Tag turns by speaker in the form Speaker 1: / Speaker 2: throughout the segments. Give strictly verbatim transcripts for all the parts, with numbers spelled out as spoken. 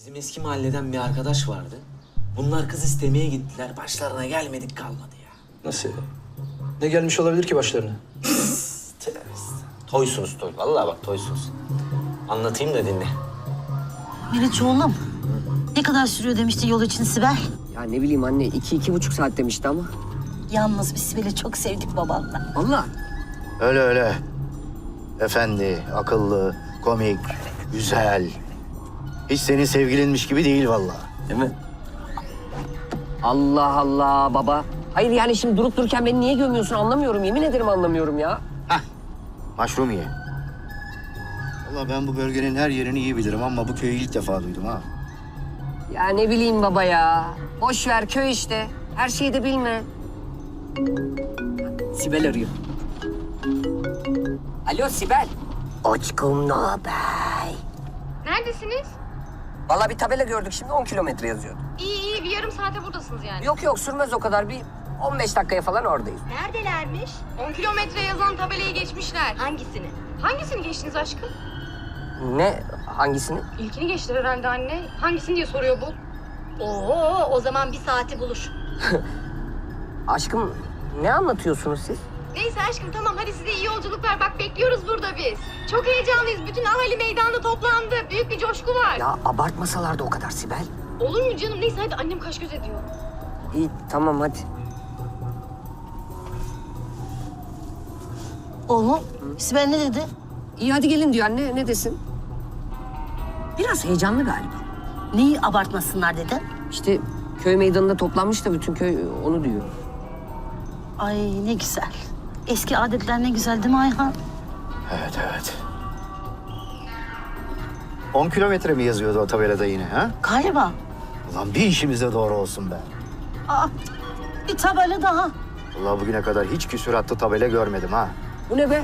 Speaker 1: Bizim eski mahalleden bir arkadaş vardı. Bunlar kız istemeye gittiler. Başlarına gelmedik kalmadı ya.
Speaker 2: Nasıl ya? Ne gelmiş olabilir ki başlarına?
Speaker 1: Toysunuz toy. Vallahi bak toysunuz. Anlatayım da dinle.
Speaker 3: Meriç oğlum, ne kadar sürüyor demişti yol için Sibel?
Speaker 4: Ya ne bileyim anne, iki, iki buçuk saat demişti ama.
Speaker 3: Yalnız biz Sibel'i çok sevdik babanla.
Speaker 4: Vallahi.
Speaker 5: Öyle öyle. Efendi, akıllı, komik, güzel. Hiç senin sevgilinmiş gibi değil vallahi.
Speaker 4: Değil mi? Allah Allah baba. Hayır yani şimdi durup dururken beni niye gömüyorsun anlamıyorum. Yemin ederim anlamıyorum ya.
Speaker 5: Maşrumiye. Vallahi ben bu bölgenin her yerini iyi bilirim ama bu köyü ilk defa duydum ha.
Speaker 4: Ya ne bileyim baba ya. Boş ver köy işte. Her şeyi de bilme. Sibel arıyor. Alo Sibel. Aşkım ne haber?
Speaker 6: Neredesiniz?
Speaker 4: Vallahi bir tabela gördük şimdi on kilometre yazıyordu.
Speaker 6: İyi iyi bir yarım saate buradasınız yani.
Speaker 4: Yok yok sürmez o kadar bir on beş dakikaya falan oradayız.
Speaker 6: Neredelermiş? on kilometre yazan tabelayı geçmişler. Hangisini? Hangisini geçtiniz aşkım?
Speaker 4: Ne? Hangisini?
Speaker 6: İlkini geçtiler herhalde anne. Hangisini diye soruyor bu. Oo, o zaman bir saati bulur.
Speaker 4: Aşkım ne anlatıyorsunuz siz?
Speaker 6: Neyse aşkım tamam hadi size iyi yolculuklar. Bak bekliyoruz burada biz. Çok heyecanlıyız. Bütün ahali meydanda toplandı. Büyük bir coşku var.
Speaker 4: Ya abartmasalar da o kadar Sibel.
Speaker 6: Olur mu canım? Neyse hadi annem kaş göz ediyor.
Speaker 4: İyi tamam hadi.
Speaker 3: Oğlum, Sibel ne dedi?
Speaker 4: İyi hadi gelin diyor anne ne desin? Biraz heyecanlı galiba.
Speaker 3: Neyi abartmasınlar dedi?
Speaker 4: İşte köy meydanında toplanmış da bütün köy onu diyor.
Speaker 3: Ay ne güzel. Eski adetler ne güzel değil mi Ayhan?
Speaker 5: Evet, evet. On kilometre mi yazıyordu o tabelada yine ha?
Speaker 3: Galiba.
Speaker 5: Ulan bir işimize doğru olsun be.
Speaker 3: Aa, bir tabela daha.
Speaker 5: Vallahi bugüne kadar hiç küsuratlı tabela görmedim ha.
Speaker 4: Bu ne be?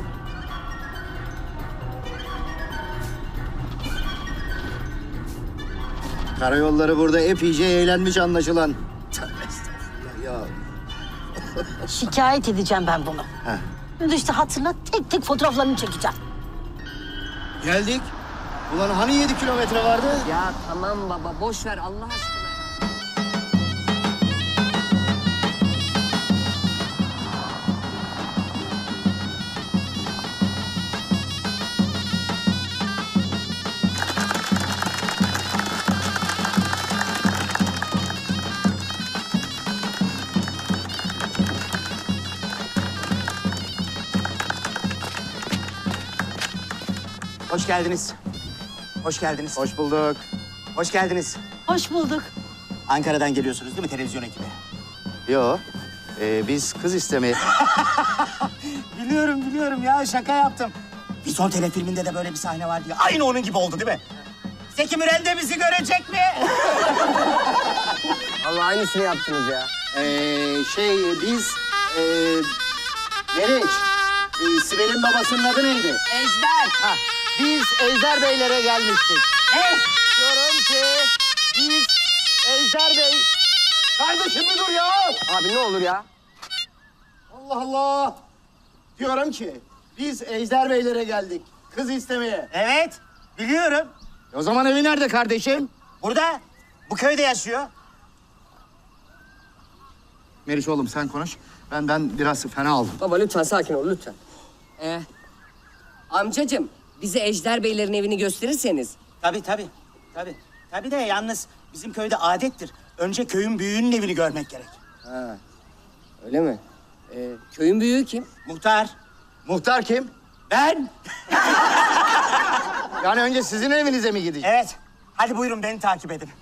Speaker 5: Karayolları burada epeyce eğlenmiş anlaşılan. Tövbe estağfurullah ya.
Speaker 3: Şikayet edeceğim ben bunu.
Speaker 5: Heh.
Speaker 3: Şimdi işte hatırla tek tek fotoğraflarını çekeceğim.
Speaker 5: Geldik. Ulan hani yedi kilometre vardı?
Speaker 4: Ya tamam baba boş ver Allah aşkına.
Speaker 7: Hoş geldiniz. Hoş geldiniz.
Speaker 5: Hoş bulduk.
Speaker 7: Hoş geldiniz.
Speaker 3: Hoş bulduk.
Speaker 7: Ankara'dan geliyorsunuz değil mi televizyon ekibi?
Speaker 5: Yo. Ee, biz kız istemeye...
Speaker 7: Biliyorum biliyorum ya şaka yaptım. Vizon telefilminde de böyle bir sahne vardı ya. Aynı onun gibi oldu değil mi? Zeki Müren de bizi görecek mi?
Speaker 4: Allah aynısını yaptınız ya.
Speaker 5: Ee, şey biz... E, Meriç. E, Sibel'in babasının adı neydi?
Speaker 4: Ejder.
Speaker 5: Ha, biz Ejder Beylere gelmiştik.
Speaker 7: Ne?
Speaker 5: Diyorum ki biz Ejder Bey... Kardeşim bir dur ya!
Speaker 4: Abi ne olur ya.
Speaker 5: Allah Allah! Diyorum ki biz Ejder Beylere geldik. Kız istemeye.
Speaker 7: Evet biliyorum.
Speaker 5: E o zaman evi nerede kardeşim?
Speaker 7: Burada bu köyde yaşıyor.
Speaker 5: Meriç oğlum sen konuş. Ben ben biraz fena aldım.
Speaker 4: Baba lütfen sakin ol lütfen. Ee, amcacığım bize Ejder Beylerin evini gösterirseniz.
Speaker 7: Tabii tabii. Tabii. Tabii de yalnız bizim köyde adettir. Önce köyün büyüğünün evini görmek gerek.
Speaker 4: Ha, öyle mi? Ee, köyün büyüğü kim?
Speaker 7: Muhtar.
Speaker 5: Muhtar kim?
Speaker 7: Ben.
Speaker 5: Yani önce sizin evinize mi gideceğiz?
Speaker 7: Evet. Hadi buyurun beni takip edin.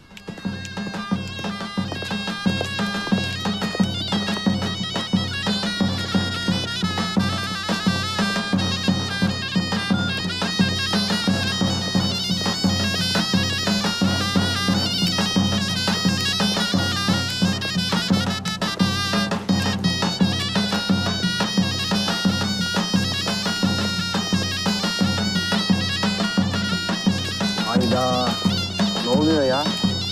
Speaker 4: Hayda. Ne oluyor ya?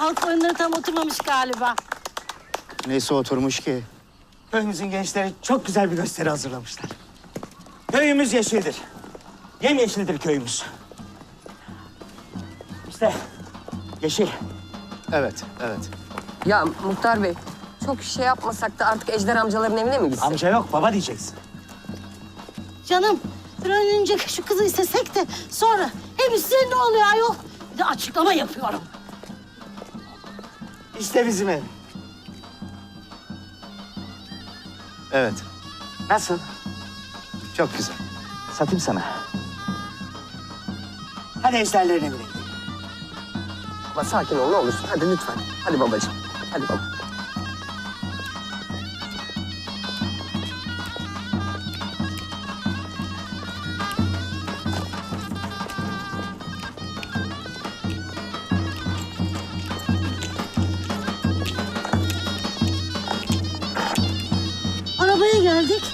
Speaker 3: halk oyunları tam oturmamış galiba.
Speaker 5: Neyse oturmuş ki.
Speaker 7: Köyümüzün gençleri çok güzel bir gösteri hazırlamışlar. Köyümüz yeşildir. Yemyeşildir köyümüz. İşte yeşil.
Speaker 5: Evet, evet.
Speaker 4: Ya Muhtar Bey, çok şey yapmasak da artık Ejder amcaların evine mi gitsek?
Speaker 7: Amca yok, baba diyeceksin.
Speaker 3: Canım bir an önce şu kızı istesek de sonra hem size ne oluyor ayol? Bir de açıklama yapıyorum.
Speaker 7: İşte bizim ev.
Speaker 5: Evet,
Speaker 7: Nasıl?
Speaker 5: çok güzel.
Speaker 7: Satayım sana. Hadi ejderlerin evine gidelim.
Speaker 4: Baba sakin ol ne olursun. Hadi lütfen. Hadi babacığım. Hadi baba.
Speaker 3: Arabaya geldik.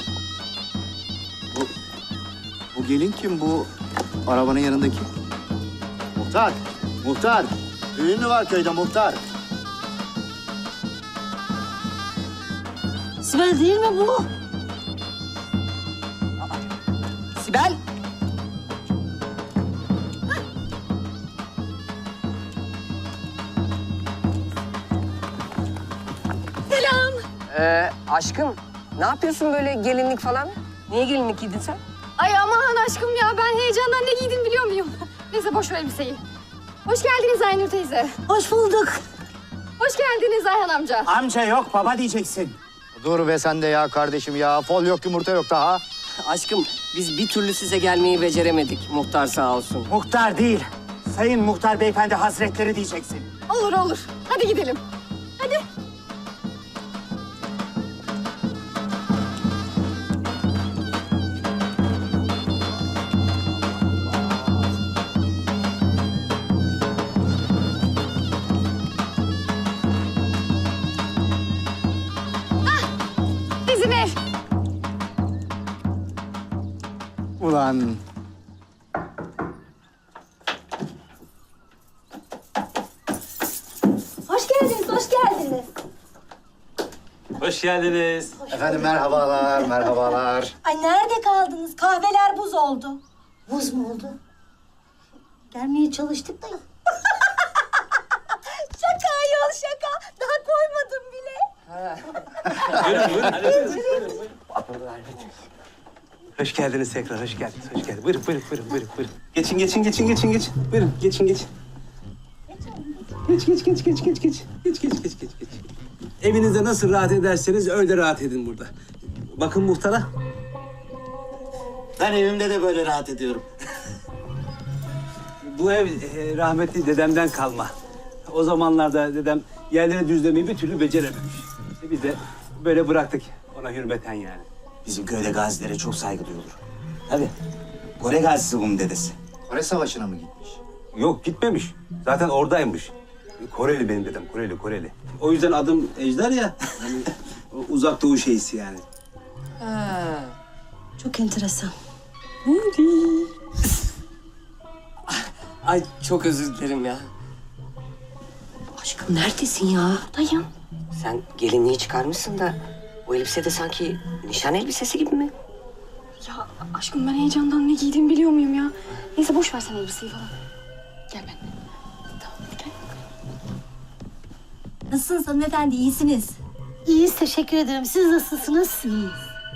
Speaker 5: Bu gelin kim? Bu arabanın yanındaki. Muhtar, muhtar. Düğün mü var köyde muhtar?
Speaker 3: Sibel değil mi bu?
Speaker 4: Sibel.
Speaker 6: Selam.
Speaker 4: Ee, aşkım ne yapıyorsun böyle gelinlik falan? Niye gelinlik giydin sen?
Speaker 6: Ay aman aşkım ya ben heyecandan ne giydim biliyor muyum? Neyse boş ver elbiseyi. Hoş geldiniz Aynur teyze.
Speaker 3: Hoş bulduk.
Speaker 6: Hoş geldiniz Ayhan amca.
Speaker 7: Amca yok, baba diyeceksin.
Speaker 5: Dur be sen de ya kardeşim ya. Fol yok, yumurta yok daha.
Speaker 4: Aşkım biz bir türlü size gelmeyi beceremedik. Muhtar sağ olsun.
Speaker 7: Muhtar değil, sayın muhtar beyefendi hazretleri diyeceksin.
Speaker 6: Olur olur. Hadi gidelim. Hadi. Bizim ev.
Speaker 5: Ulan.
Speaker 3: Hoş geldiniz, hoş geldiniz.
Speaker 1: Hoş geldiniz.
Speaker 5: Efendim merhabalar, merhabalar.
Speaker 3: Ay nerede kaldınız? Kahveler buz oldu. Buz mu oldu? Gelmeye çalıştık da yok. Şaka ayol şaka. Daha koymadım bile.
Speaker 8: Hoş geldiniz tekrar, hoş geldiniz, hoş geldiniz. Buyurun, buyurun, buyurun, buyurun, buyurun. Geçin, geçin, geçin, geçin, geçin. Buyurun, geçin, geçin. Geç, geç, geç, geç, geç, geç. Geç, geç, geç, geç, geç. Evinizde nasıl rahat ederseniz öyle rahat edin burada. Bakın muhtara.
Speaker 7: Ben evimde de böyle rahat ediyorum.
Speaker 8: Bu ev e, rahmetli dedemden kalma. O zamanlarda dedem yerleri düzlemeyi bir türlü becerememiş. İşte biz de böyle bıraktık ona hürmeten yani.
Speaker 7: Bizim köyde gazilere çok saygı duyulur. Tabii. Kore gazisi bunun dedesi.
Speaker 5: Kore Savaşı'na mı gitmiş?
Speaker 8: Yok gitmemiş. Zaten oradaymış. Koreli benim dedem, Koreli, Koreli. O yüzden adım Ejder ya. Hani o uzak doğu şeysi yani.
Speaker 3: Çok enteresan.
Speaker 4: Ay çok özür dilerim ya. Aşkım neredesin ya?
Speaker 6: Dayım.
Speaker 4: Sen gelinliği çıkarmışsın da bu elbise de sanki nişan elbisesi gibi mi?
Speaker 6: Ya aşkım ben heyecandan ne giydiğimi biliyor muyum ya? Neyse boş ver sen elbiseyi falan. Gel benimle. Tamam gel.
Speaker 3: Nasılsınız hanımefendi, iyisiniz? İyiyiz, teşekkür ederim. Siz nasılsınız? İyiyiz.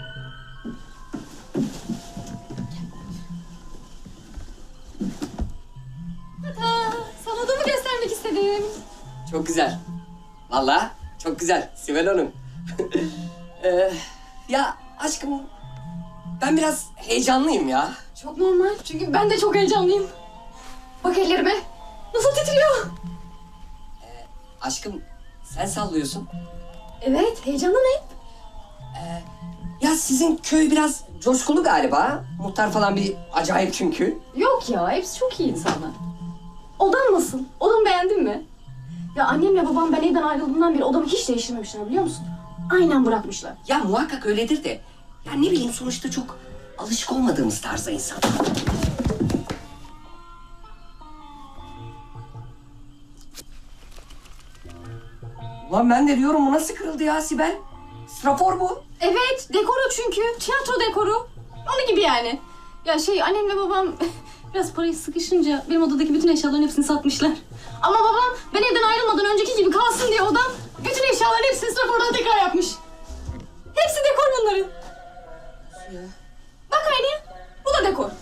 Speaker 6: Aa, sana odamı göstermek istedim.
Speaker 4: Çok güzel. Vallahi çok güzel Sibel Hanım. Ee, ya aşkım ben biraz heyecanlıyım ya.
Speaker 6: Çok normal çünkü ben de çok heyecanlıyım. Bak ellerime. Nasıl titriyor?
Speaker 4: Aşkım sen sallıyorsun.
Speaker 6: Evet heyecanlı ne?
Speaker 4: Ya sizin köy biraz coşkulu galiba. Muhtar falan bir acayip çünkü.
Speaker 6: Yok ya hepsi çok iyi insanlar. Odan nasıl? Odamı beğendin mi? Ya annemle babam ben evden ayrıldığımdan beri odamı hiç değiştirmemişler biliyor musun? Aynen bırakmışlar.
Speaker 4: Ya muhakkak öyledir de. Ya ne bileyim sonuçta çok alışık olmadığımız tarzda insanlar. Lan ben de diyorum bu nasıl kırıldı ya Sibel? Strafor bu.
Speaker 6: Evet, dekoru çünkü. Tiyatro dekoru. Onun gibi yani. Ya şey, annemle babam biraz parayı sıkışınca benim odadaki bütün eşyaların hepsini satmışlar. Ama babam ben evden ayrılmadan önceki gibi kalsın diye odam bütün eşyaların hepsini strafordan tekrar yapmış. Hepsi dekor bunların. Bak aynı. Bu da dekor.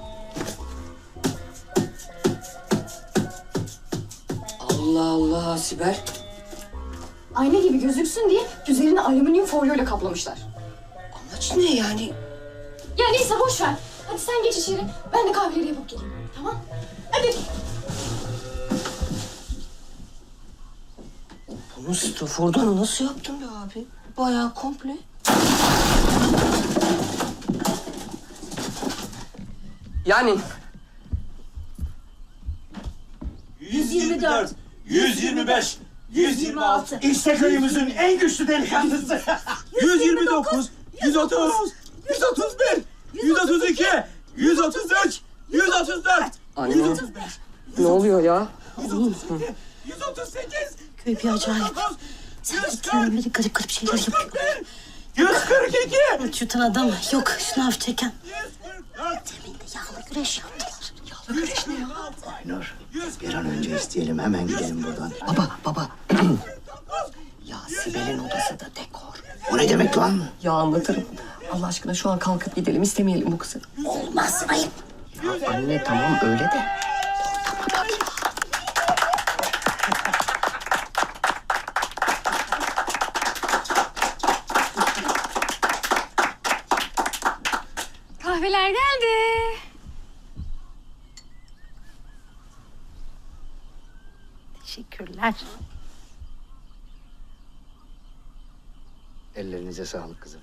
Speaker 4: Allah Allah Sibel.
Speaker 6: Ayna gibi gözüksün diye üzerini alüminyum folyoyla kaplamışlar.
Speaker 4: Amaç ne yani?
Speaker 6: Ya neyse boş ver. Hadi sen geç içeri. Ben de kahveleri yapıp geleyim. Tamam? Hadi.
Speaker 4: Bunu strafordan nasıl yaptın be abi? Bayağı komple. Yani
Speaker 3: yüz yirmi dört,
Speaker 7: yüz yirmi beş, yüz yirmi altı. İşte köyümüzün en güçlü delikanlısı.
Speaker 8: yüz yirmi dokuz, yüz otuz, yüz otuz bir, yüz otuz iki, yüz otuz üç, yüz otuz dört,
Speaker 4: anne ne oluyor ya?
Speaker 8: yüz otuz sekiz,
Speaker 3: Köy bir acayip. Sen gittiğinden beri garip garip şeyler yapıyor.
Speaker 8: yüz kırk iki,
Speaker 3: Aç yutan adam yok şınav çeken. Demin de yağlı güreş yaptılar. Yağlı güreş ne ya?
Speaker 5: Aynur, bir an önce isteyelim, hemen gidelim buradan. Baba, baba. Ya Sibel'in odası da dekor. O ne demek lan?
Speaker 4: Ya anlatırım. Allah aşkına şu an kalkıp gidelim, istemeyelim bu kızı.
Speaker 3: Olmaz ayıp.
Speaker 5: Ya anne tamam öyle de.
Speaker 6: Kahveler geldi.
Speaker 3: Teşekkürler.
Speaker 5: Ellerinize sağlık kızım.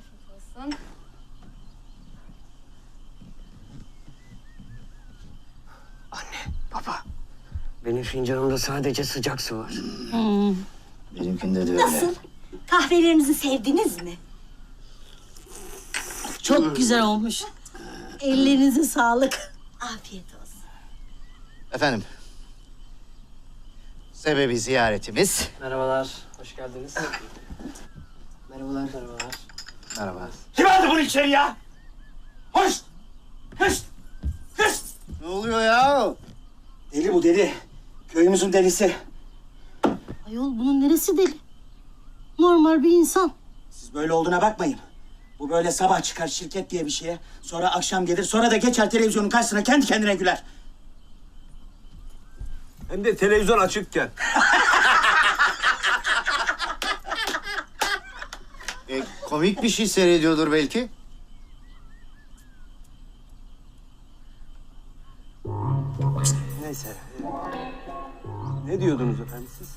Speaker 4: Baba, benim fincanımda sadece sıcak su var.
Speaker 5: Benimkinde de öyle.
Speaker 3: Nasıl? Kahvelerinizi sevdiniz mi? Çok güzel olmuş. Ellerinize sağlık. Afiyet olsun.
Speaker 5: Efendim. Sebebi ziyaretimiz.
Speaker 2: Merhabalar, hoş geldiniz.
Speaker 4: Merhabalar.
Speaker 2: Merhabalar.
Speaker 5: Merhaba.
Speaker 7: Kim aldı bunu içeri ya? Hoş! Hış! Hış!
Speaker 5: Ne oluyor ya?
Speaker 7: Deli bu deli. Köyümüzün delisi.
Speaker 3: Ayol bunun neresi deli? Normal bir insan.
Speaker 7: Siz böyle olduğuna bakmayın. Bu böyle sabah çıkar şirket diye bir şeye. Sonra akşam gelir. Sonra da geçer televizyonun karşısına kendi kendine güler.
Speaker 8: Hem de televizyon açıkken.
Speaker 5: E, komik bir şey seyrediyordur belki.
Speaker 8: Neyse. Ne diyordunuz efendim siz?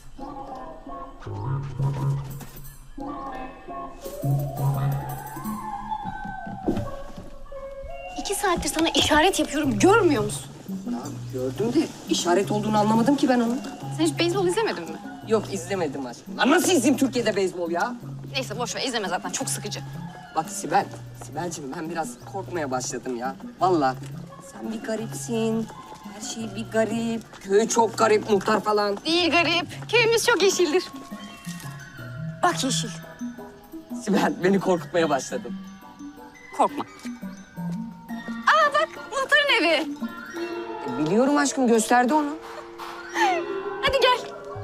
Speaker 6: İki saattir sana işaret yapıyorum. Görmüyor musun?
Speaker 4: Gördüm de işaret olduğunu anlamadım ki ben onun.
Speaker 6: Sen hiç beyzbol izlemedin mi?
Speaker 4: Yok izlemedim aşkım. Lan nasıl izleyeyim Türkiye'de beyzbol ya?
Speaker 6: Neyse boş ver. İzleme zaten. Çok sıkıcı.
Speaker 4: Bak Sibel, Sibel'cim ben biraz korkmaya başladım ya. Vallahi sen bir garipsin. Her şey bir garip. Köy çok garip, muhtar falan.
Speaker 6: Değil garip. Köyümüz çok yeşildir. Bak yeşil.
Speaker 4: Sibel beni korkutmaya başladın.
Speaker 6: Korkma. Aa bak muhtarın evi.
Speaker 4: E, biliyorum aşkım gösterdi onu.
Speaker 6: Hadi gel.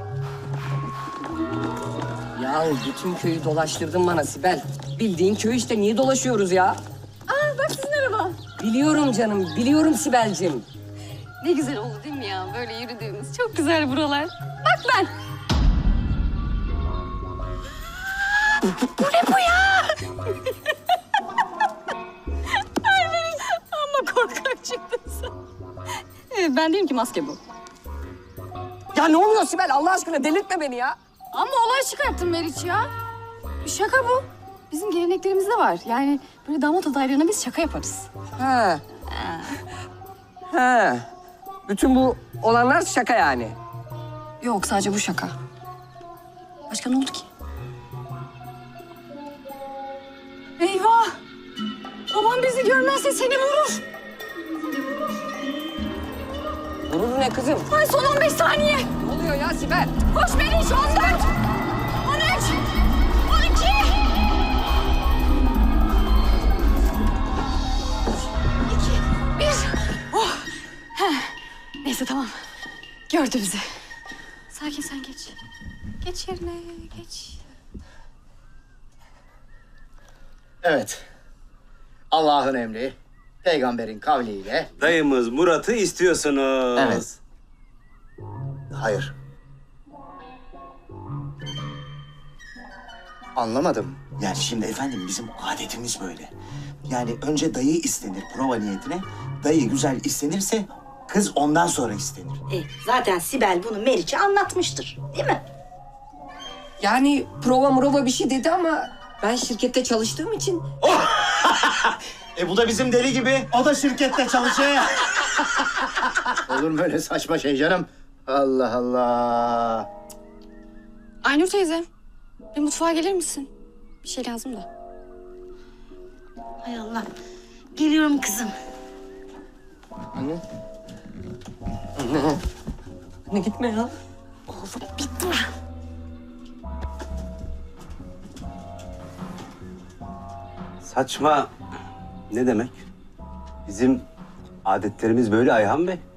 Speaker 4: Ya bütün köyü dolaştırdın bana Sibel. Bildiğin köy işte niye dolaşıyoruz ya?
Speaker 6: Aa bak sizin araba.
Speaker 4: Biliyorum canım, biliyorum Sibel'cim.
Speaker 6: Ne güzel oldu değil mi ya? Böyle yürüdüğümüz. Çok güzel buralar. Bak ben. Bu ne bu ya? Ay benim amma korkak çıktın sen. Evet, ben değilim ki maske bu.
Speaker 4: Ya ne oluyor Sibel Allah aşkına delirtme beni ya.
Speaker 6: Ama olay çıkarttın Meriç ya. Şaka bu. Bizim geleneklerimizde var. Yani böyle damat adaylarına biz şaka yaparız.
Speaker 4: Ha. Ha. Bütün bu olanlar şaka yani.
Speaker 6: Yok sadece bu şaka. Başka ne oldu ki? Eyvah! Babam bizi görmezse seni vurur.
Speaker 4: Vurur ne kızım?
Speaker 6: Ay son on beş saniye.
Speaker 4: Ne oluyor ya Sibel?
Speaker 6: Koş Meriç on dört. Neyse tamam. Gördü bizi. Sakin sen geç. Geç yerine geç.
Speaker 5: Evet. Allah'ın emri, peygamberin kavliyle...
Speaker 8: Dayımız Murat'ı istiyorsunuz.
Speaker 5: Evet. Hayır. Anlamadım.
Speaker 7: Yani şimdi efendim bizim adetimiz böyle. Yani önce dayı istenir prova niyetine. Dayı güzel istenirse kız ondan sonra istenir.
Speaker 3: E, zaten Sibel bunu Meriç'e anlatmıştır, değil mi?
Speaker 4: Yani prova murova bir şey dedi ama ben şirkette çalıştığım için
Speaker 7: E bu da bizim deli gibi. O da şirkette çalışıyor.
Speaker 5: Olur mu öyle saçma şey canım? Allah Allah.
Speaker 6: Aynur teyze, bir mutfağa gelir misin? Bir şey lazım da.
Speaker 3: Hay Allah. Geliyorum kızım.
Speaker 4: ne gitme ya.
Speaker 3: Bitti mi?
Speaker 8: Saçma ne demek? Bizim adetlerimiz böyle Ayhan Bey.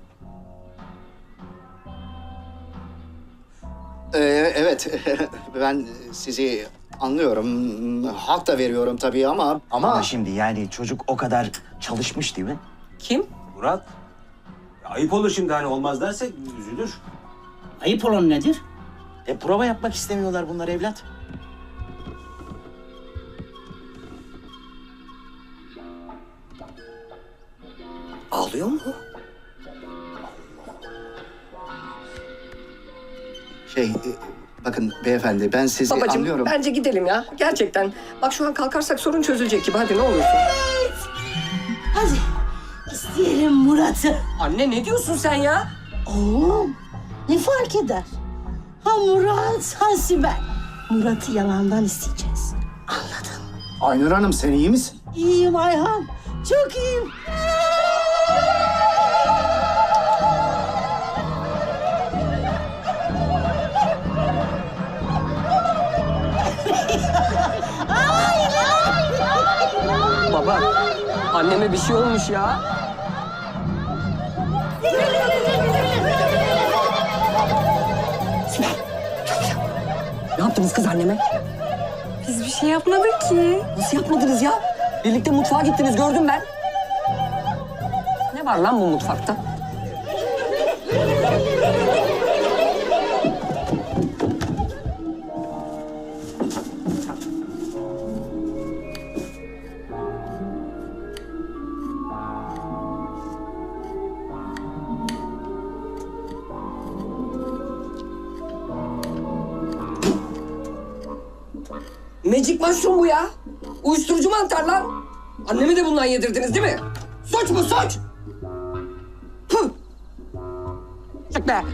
Speaker 5: Ee, evet, ben sizi anlıyorum. Hak da veriyorum tabii ama... Ama,
Speaker 7: Ama şimdi yani çocuk o kadar çalışmış değil mi?
Speaker 4: Kim?
Speaker 8: Murat. Ya ayıp olur şimdi hani olmaz dersek üzülür.
Speaker 7: Ayıp olan nedir? E prova yapmak istemiyorlar bunlar evlat.
Speaker 4: Ağlıyor mu?
Speaker 5: şey, e, bakın beyefendi ben sizi
Speaker 4: Babacığım
Speaker 5: anlıyorum.
Speaker 4: bence gidelim ya. Gerçekten. Bak şu an kalkarsak sorun çözülecek gibi. Hadi ne olursun.
Speaker 3: Hadi isteyelim Murat'ı.
Speaker 4: Anne ne diyorsun sen ya?
Speaker 3: Oğlum ne fark eder? Ha Murat, ha Sibel. Murat'ı yalandan isteyeceğiz. Anladın mı?
Speaker 5: Aynur Hanım sen iyi misin?
Speaker 3: İyiyim Ayhan. Çok iyiyim.
Speaker 4: Baba, anneme bir şey olmuş ya. Ne yaptınız kız anneme?
Speaker 6: Biz bir şey yapmadık ki.
Speaker 4: Nasıl yapmadınız ya? Birlikte mutfağa gittiniz gördüm ben. Ne var lan bu mutfakta? Magic mushroom bu ya. Uyuşturucu mantar lan. Anneme de bundan yedirdiniz değil mi? Suç mu suç? Püh! Çık be.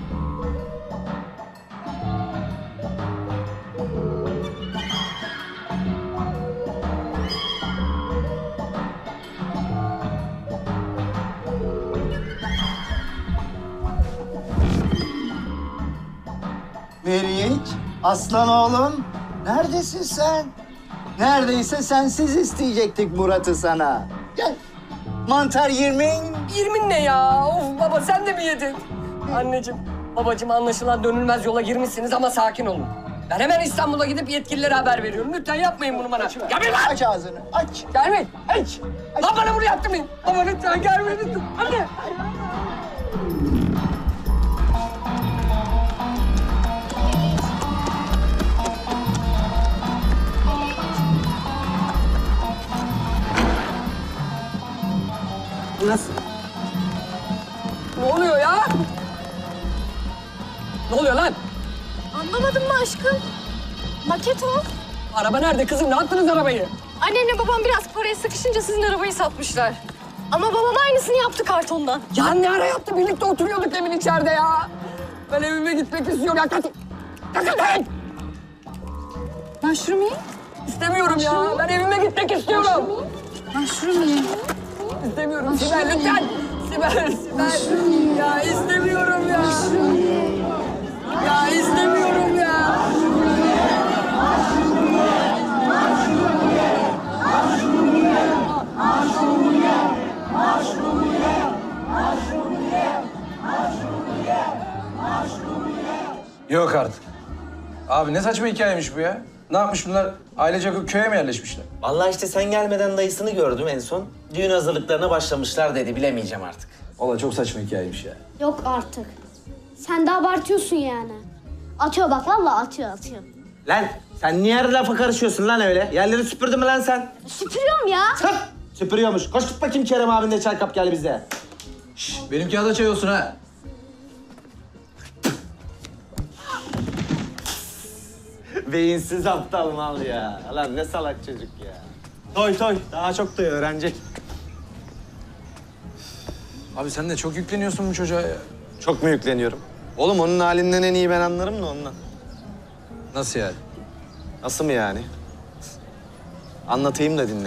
Speaker 5: Meriç, aslan oğlum. Neredesin sen? Neredeyse sensiz isteyecektik Murat'ı sana. Gel. Mantar yirmin.
Speaker 4: Yirmin ne ya? Of baba sen de mi yedin? Anneciğim, babacığım anlaşılan dönülmez yola girmişsiniz ama sakin olun. Ben hemen İstanbul'a gidip yetkililere haber veriyorum. Lütfen yapmayın bunu bana. Gelmeyin lan!
Speaker 5: Aç ağzını, aç.
Speaker 4: Gelmeyin! Aç! Lan bana bunu yaptırmayın! Baba lütfen gelmeyin lütfen! Anne! Nasıl? Ne oluyor ya? Ne oluyor lan?
Speaker 6: Anlamadın mı aşkım? Maket o.
Speaker 4: Araba nerede kızım? Ne yaptınız arabayı?
Speaker 6: Annemle babam biraz paraya sıkışınca sizin arabayı satmışlar. Ama babam aynısını yaptı kartondan.
Speaker 4: Ya ne ara yaptı? Birlikte oturuyorduk evin içeride ya. Ben evime gitmek istiyorum. Ya kaç... Kaç kaç!
Speaker 6: Mushroom ye.
Speaker 4: İstemiyorum ya. Ben evime gitmek istiyorum.
Speaker 6: Mushroom ye.
Speaker 4: İstemiyorum. Sibel lütfen. Sibel, Sibel. Ya istemiyorum ya. Ya istemiyorum ya.
Speaker 9: Yok artık. Abi ne saçma hikayemiş bu ya? Ne yapmış bunlar? Ailecek o köye mi yerleşmişler?
Speaker 1: Vallahi işte sen gelmeden dayısını gördüm en son. Düğün hazırlıklarına başlamışlar dedi. Bilemeyeceğim artık.
Speaker 9: Vallahi çok saçma hikayemiş ya.
Speaker 10: Yok artık. Sen de abartıyorsun yani. Atıyor bak vallahi atıyor atıyor.
Speaker 1: Lan sen niye her lafa karışıyorsun lan öyle? Yerleri süpürdün mü lan sen?
Speaker 10: Süpürüyorum ya.
Speaker 1: Hıp! Süpürüyormuş. Koş git bakayım Kerem abin de çay kap gel bize.
Speaker 9: Benim kağıda çay olsun ha.
Speaker 1: Beyinsiz aptal mal ya. Lan ne salak çocuk ya. Toy toy. Daha çok da öğrenecek.
Speaker 9: Abi sen de çok yükleniyorsun bu çocuğa ya.
Speaker 1: Çok mu yükleniyorum? Oğlum onun halinden en iyi ben anlarım da ondan.
Speaker 9: Nasıl yani?
Speaker 1: Nasıl mı yani? Anlatayım da dinle.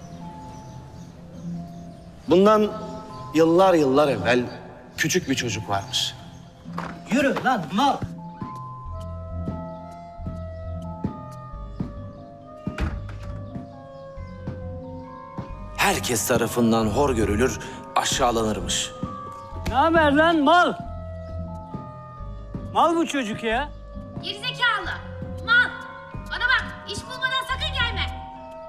Speaker 1: Bundan yıllar yıllar evvel küçük bir çocuk varmış.
Speaker 5: Yürü lan mal.
Speaker 1: Herkes tarafından hor görülür, aşağılanırmış.
Speaker 11: Ne haber lan mal? Mal bu çocuk ya.
Speaker 6: Gerizekalı. Mal. Bana bak. İş bulmadan sakın gelme.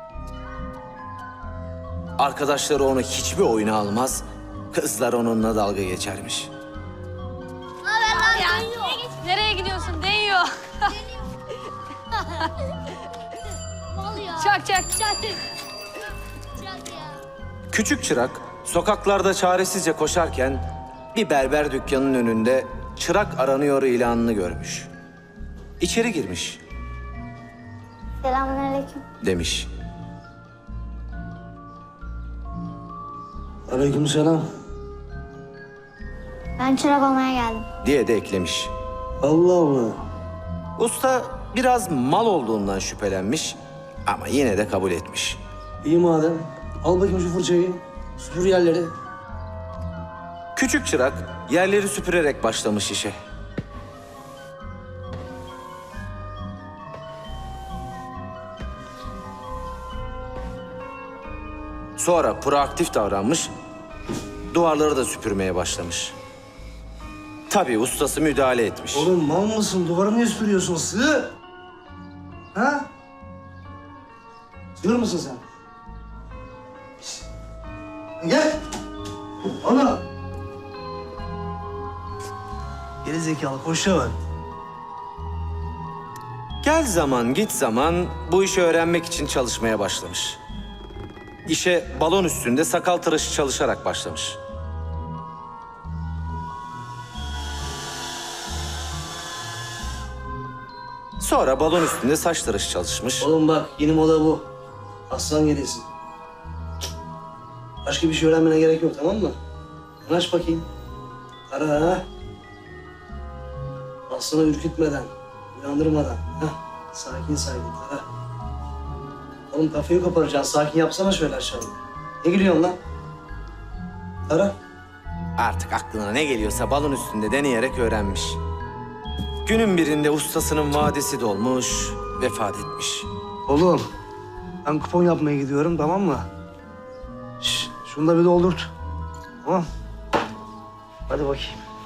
Speaker 1: Arkadaşları onu hiçbir oyuna almaz, kızlar onunla dalga geçermiş.
Speaker 6: Ne haber lan? Ya, nereye gidiyorsun? Değiyor.
Speaker 10: Mal ya.
Speaker 6: Çak çak.
Speaker 10: Çak. Çak ya.
Speaker 1: Küçük çırak sokaklarda çaresizce koşarken bir berber dükkanının önünde çırak aranıyor ilanını görmüş. İçeri girmiş,
Speaker 10: Selamünaleyküm.
Speaker 1: demiş.
Speaker 5: Aleykümselam.
Speaker 10: Ben çırak olmaya geldim.
Speaker 1: Diye de eklemiş.
Speaker 5: Allah Allah.
Speaker 1: Usta biraz mal olduğundan şüphelenmiş ama yine de kabul etmiş.
Speaker 5: İyi madem. Al bakayım şu fırçayı. Süpür yerleri.
Speaker 1: Küçük çırak yerleri süpürerek başlamış işe. Sonra proaktif davranmış, duvarları da süpürmeye başlamış. Tabii ustası müdahale etmiş.
Speaker 5: Oğlum mal mısın? Duvarı niye süpürüyorsun? Sığ! Ha? Sığır mısın sen? Şişt. Gel! Ana! Geri zekalı koşa var.
Speaker 1: Gel zaman git zaman bu işi öğrenmek için çalışmaya başlamış. İşe balon üstünde sakal tıraşı çalışarak başlamış. Sonra balon üstünde saç tıraşı çalışmış.
Speaker 5: Oğlum bak yeni moda bu. Aslan gerisin. Başka bir şey öğrenmene gerek yok tamam mı? Aç bakayım. Ara ha. Aslanı ürkütmeden, uyandırmadan. Heh. Sakin sakin ara. Oğlum kafayı koparacaksın. Sakin yapsana şöyle aşağıya. Ne gülüyorsun lan? Ara.
Speaker 1: Artık aklına ne geliyorsa balon üstünde deneyerek öğrenmiş. Günün birinde ustasının vadesi dolmuş, vefat etmiş.
Speaker 5: Oğlum ben kupon yapmaya gidiyorum tamam mı? Şş, şunu da bir doldurt. Tamam. Hadi bakayım.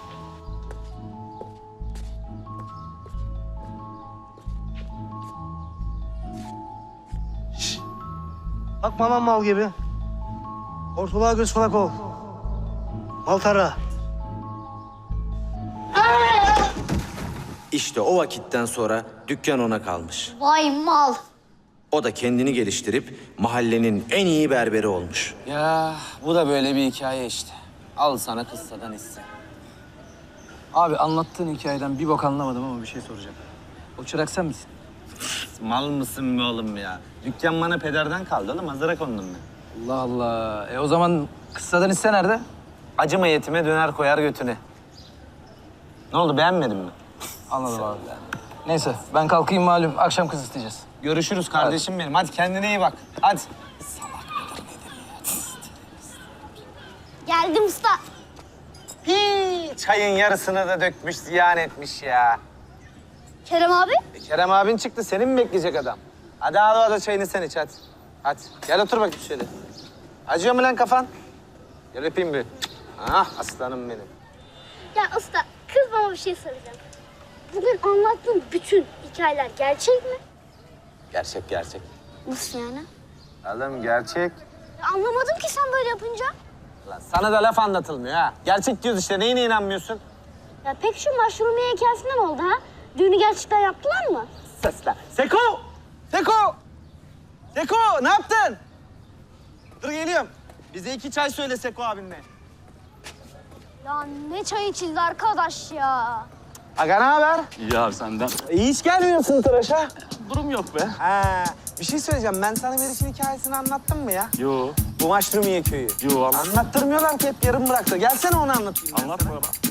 Speaker 5: Şş. Bakma lan mal gibi. Ortalığa göz kulak ol. Mal tara.
Speaker 1: İşte o vakitten sonra dükkan ona kalmış.
Speaker 10: Vay mal.
Speaker 1: O da kendini geliştirip mahallenin en iyi berberi olmuş.
Speaker 2: Ya bu da böyle bir hikaye işte. Al sana kıssadan hisse.
Speaker 9: Abi anlattığın hikayeden bir bok anlamadım ama bir şey soracağım. O çırak sen misin?
Speaker 1: Mal mısın be oğlum ya? Dükkan bana pederden kaldı oğlum. Hazıra kondum ben.
Speaker 9: Allah Allah. E o zaman kıssadan hisse nerede?
Speaker 1: Acıma yetime döner koyar götüne. Ne oldu beğenmedin mi?
Speaker 9: Anladım abi. Neyse ben kalkayım malum. Akşam kız isteyeceğiz.
Speaker 1: Görüşürüz kardeşim benim. Hadi kendine iyi bak. Hadi.
Speaker 10: Geldim usta.
Speaker 1: Hii, çayın yarısını da dökmüş, ziyan etmiş ya.
Speaker 10: Kerem abi.
Speaker 1: E, Kerem abin çıktı. Seni mi bekleyecek adam? Hadi al o da çayını sen iç hadi. Hadi. Gel otur bakayım şöyle. Acıyor mu lan kafan? Gel öpeyim bir. Ah aslanım benim.
Speaker 10: Ya usta kız bana bir şey soracağım. bugün anlattığın bütün hikayeler gerçek mi?
Speaker 2: Gerçek gerçek.
Speaker 10: Nasıl yani?
Speaker 2: Oğlum gerçek.
Speaker 10: Ya anlamadım ki sen böyle yapınca.
Speaker 2: Lan sana da laf anlatılmıyor ha. Gerçek diyoruz işte. Neyine inanmıyorsun?
Speaker 10: Ya peki şu Maşrumiye hikayesinden oldu ha? Düğünü gerçekten yaptılar mı?
Speaker 8: Sesle. Seko! Seko! Seko ne yaptın? Dur geliyorum. Bize iki çay söyle Seko abinle.
Speaker 10: Ya ne çay içildi arkadaş ya.
Speaker 8: Aga ne haber?
Speaker 11: İyi abi senden.
Speaker 8: İyi hiç gelmiyorsun tıraşa.
Speaker 11: Durum yok be.
Speaker 8: Ha, bir şey söyleyeceğim. Ben sana Meriç'in hikayesini anlattım mı ya?
Speaker 11: Yo.
Speaker 8: Bu Maşrumiye köyü.
Speaker 11: Yo anlat.
Speaker 8: Anlattırmıyorlar ki hep yarım bıraktı. Gelsene onu anlatayım. ben
Speaker 11: Anlat
Speaker 8: sana.
Speaker 11: baba.